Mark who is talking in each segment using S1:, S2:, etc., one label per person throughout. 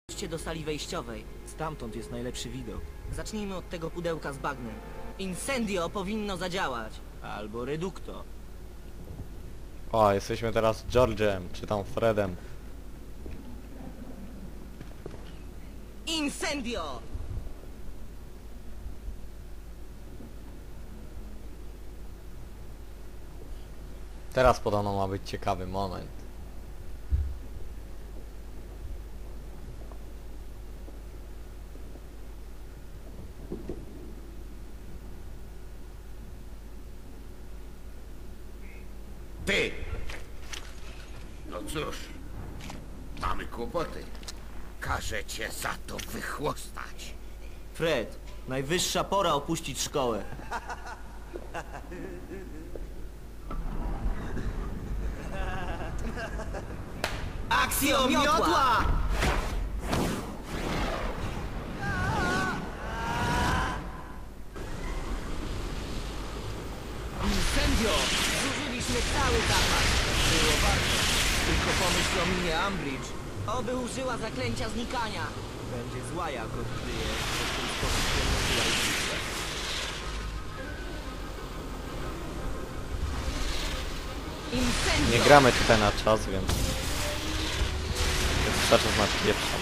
S1: Idźcie do sali wejściowej.
S2: Stamtąd jest najlepszy widok.
S1: Zacznijmy od tego pudełka z bagnem. Incendio powinno zadziałać.
S2: Albo redukto.
S3: O, jesteśmy teraz George'em, czy tam Fredem.
S1: Incendio!
S3: Teraz podobno ma być ciekawy moment.
S4: Ty! No cóż, mamy kłopoty. Każę cię za to wychłostać.
S2: Fred, najwyższa pora opuścić szkołę.
S1: Akcjo miotła! Incendio! Zużyliśmy cały zapas.
S2: Było warto. Tylko pomyśl o minie Umbridge.
S1: Oby użyła zaklęcia znikania.
S2: Będzie zła, jak odkryje, że w ten sposób przenosiła ich.
S1: Incendio!
S3: Nie gramy tutaj na czas, więc... Jest cały czas na pierwszą.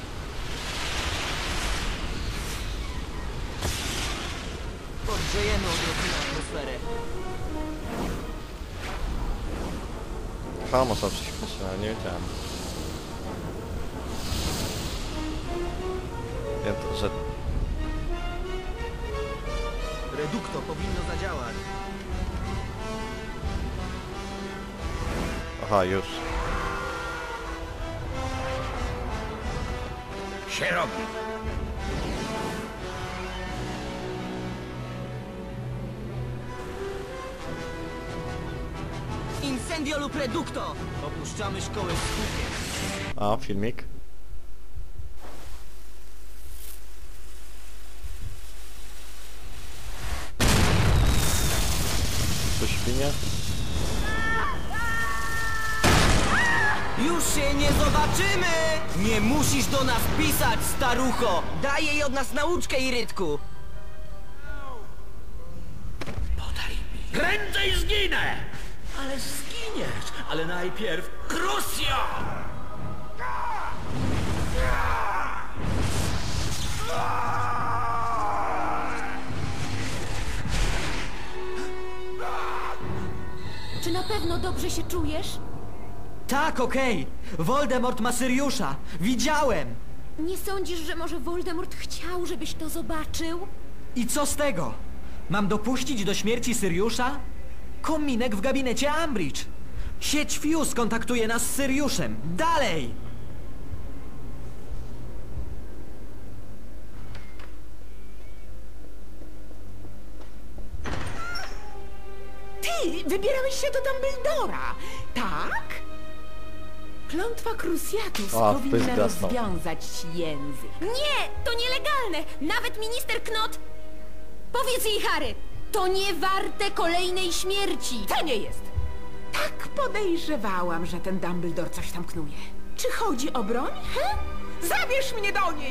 S1: Podgrzejemy odrobinę atmosferę.
S3: Chyba można przyspieszyć, ale nie wiedziałem. Wiem, że...
S2: Redukto powinno zadziałać.
S3: Aha, już.
S4: Się robi.
S1: Incendio lub reducto!
S2: Opuszczamy szkołę z hukiem.
S3: A, filmik. Tu świnie?
S1: Już się nie zobaczymy! Nie musisz do nas pisać, starucho! Daj jej od nas nauczkę, Irytku!
S5: Prędzej zginę! Ale zginiesz! Ale najpierw Crucio!
S6: Czy na pewno dobrze się czujesz?
S2: Tak, okej. Voldemort ma Syriusza. Widziałem.
S6: Nie sądzisz, że może Voldemort chciał, żebyś to zobaczył?
S2: I co z tego? Mam dopuścić do śmierci Syriusza? Kominek w gabinecie Umbridge. Sieć Fuse kontaktuje nas z Syriuszem. Dalej!
S7: Ty wybierałeś się do Dumbledora, tak? Klątwa Cruciatus
S3: O,
S7: powinna
S3: wpysk gasnął.
S7: rozwiązać ci język.
S6: Nie, to nielegalne! Nawet minister Knot... Powiedz jej, Harry, to nie warte kolejnej śmierci!
S7: To nie jest. Tak podejrzewałam, że ten Dumbledore coś tam knuje. Czy chodzi o broń, he? Zabierz mnie do niej!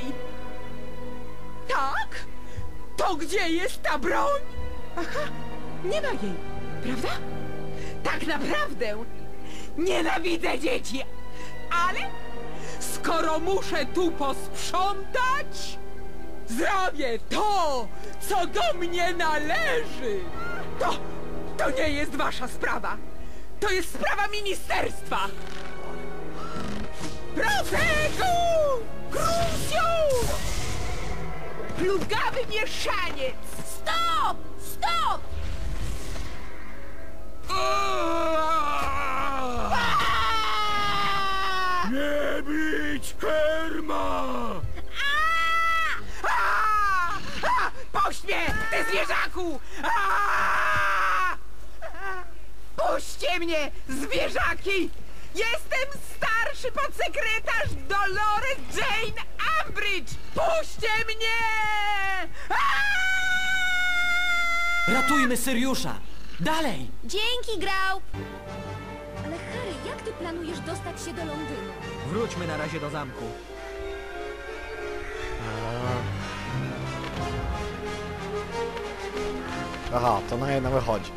S7: Tak? To gdzie jest ta broń? Aha, nie ma jej, prawda? Tak naprawdę nienawidzę dzieci, ale skoro muszę tu posprzątać, zrobię to, co do mnie należy. To nie jest wasza sprawa. To jest sprawa ministerstwa. Profeku! Crucius! Plugawy mieszaniec!
S6: Stop! Stop!
S5: Nie bić Herma!
S7: Puść mnie, ty zwierzaku! Puśćcie mnie, zwierzaki! Jestem starszy podsekretarz Dolores Jane Umbridge! Puśćcie mnie!
S2: Ratujmy Syriusza! Dalej!
S6: Dzięki, Grau! Ale Harry, jak ty planujesz dostać się do Londynu?
S2: Wróćmy na razie do zamku.
S3: Aha, to na jedno wychodzi.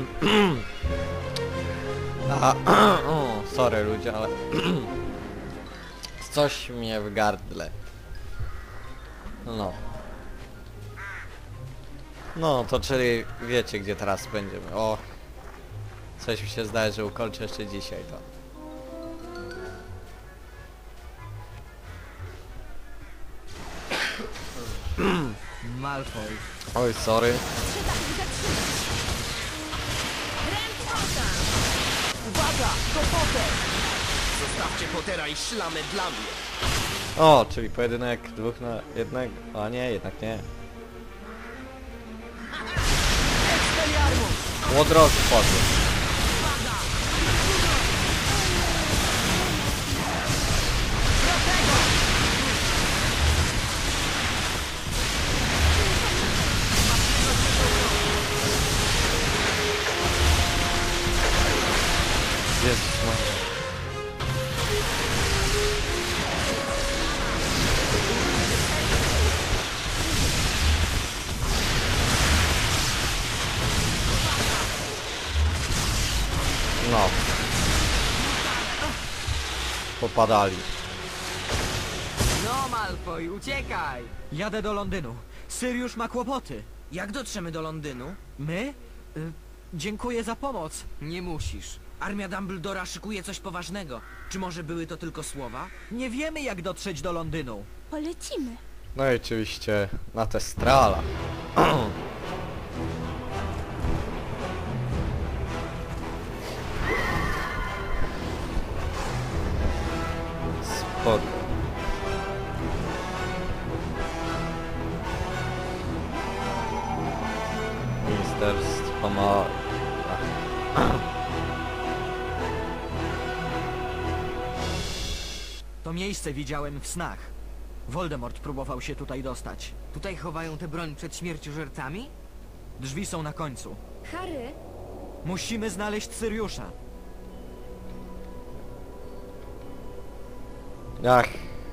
S3: Aha, o, sorry ludzie, ale coś mnie w gardle. No. No, to czyli wiecie, gdzie teraz będziemy. O, coś mi się zdaje, że ukończę jeszcze dzisiaj to.
S2: Malfoy.
S3: Oj, sorry.
S1: Uwaga, to Potter! Zostawcie Pottera i szlamę dla mnie.
S3: O, czyli pojedynek 2 na 1. A nie, jednak nie. Łodroż wpadły. Jezus Maria. No. Popadali.
S1: No, Malfoy, uciekaj!
S2: Jadę do Londynu. Syriusz ma kłopoty.
S1: Jak dotrzemy do Londynu?
S2: My? Dziękuję za pomoc.
S1: Nie musisz. Armia Dumbledora szykuje coś poważnego. Czy może były to tylko słowa?
S2: Nie wiemy, jak dotrzeć do Londynu.
S6: Polecimy.
S3: No i oczywiście na Testrala. Spoko. Ministerstwo ma...
S2: To miejsce widziałem w snach. Voldemort próbował się tutaj dostać.
S1: Tutaj chowają tę broń przed śmierciożercami?
S2: Drzwi są na końcu.
S6: Harry,
S2: Musimy znaleźć Syriusza.
S3: Ach.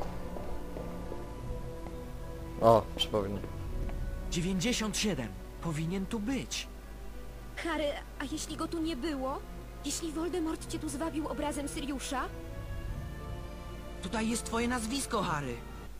S3: O, przypomnę.
S2: 97. Powinien tu być.
S6: Harry, a jeśli go tu nie było? Jeśli Voldemort cię tu zwabił obrazem Syriusza?
S1: Tutaj jest twoje nazwisko, Harry.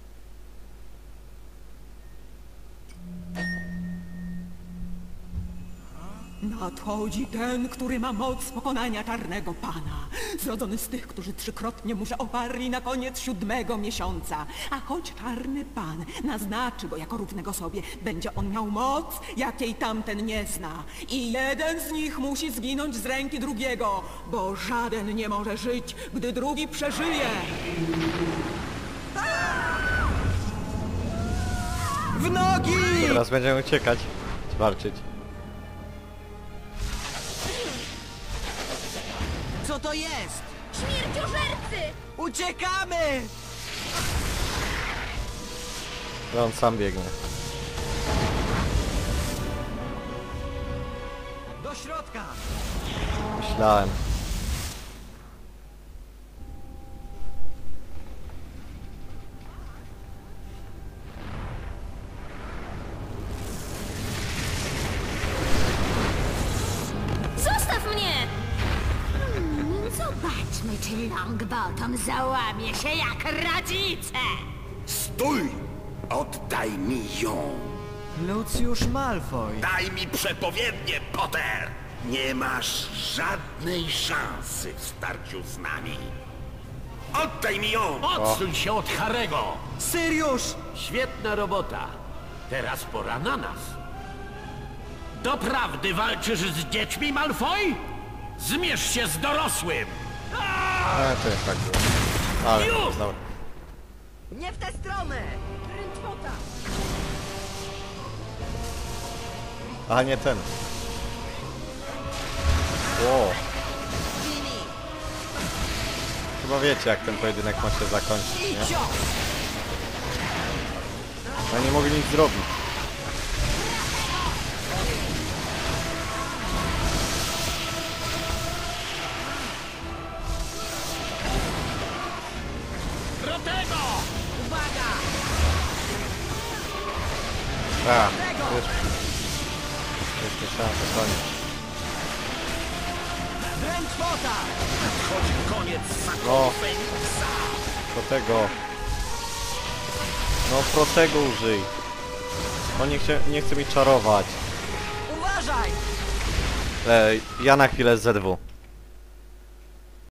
S7: Nadchodzi ten, który ma moc pokonania Czarnego Pana. Zrodzony z tych, którzy trzykrotnie mu się oparli na koniec 7. miesiąca. A choć Czarny Pan naznaczy go jako równego sobie, będzie on miał moc, jakiej tamten nie zna. I jeden z nich musi zginąć z ręki drugiego, bo żaden nie może żyć, gdy drugi przeżyje.
S2: W nogi!
S3: Teraz będziemy uciekać. Czy walczyć.
S1: Co to jest?
S6: Śmierciożercy!
S1: Uciekamy!
S3: On sam biegnie.
S2: Do środka!
S3: Myślałem.
S6: Zostaw mnie!
S8: Zobaczmy, czy Longbottom załamie się jak rodzice.
S4: Stój! Oddaj mi ją!
S2: Lucius Malfoy.
S4: Daj mi przepowiednię, Potter! Nie masz żadnej szansy w starciu z nami. Oddaj mi ją!
S5: Odsuń się od Harego!
S2: Syriusz!
S5: Świetna robota. Teraz pora na nas. Doprawdy walczysz z dziećmi, Malfoy? Zmierz się z dorosłym!
S3: To jest tak było. Ale,
S5: Już!
S3: dobra.
S1: Nie w tę stronę!
S6: Ręczpota!
S3: A nie ten. Wow.
S1: Ginny!
S3: Chyba wiecie, jak ten pojedynek ma się zakończyć,
S1: I
S3: nie?
S1: cios!
S3: No nie mogli nic zrobić.
S5: Protego!
S1: Uwaga!
S3: A, już. Jeszcze szansa, koniec.
S1: Drętwota!
S5: Nadchodzi koniec
S3: No,
S5: Feniksa.
S3: protego. No, protego użyj. On nie chce mi czarować.
S1: Uważaj!
S3: Ja na chwilę ZW.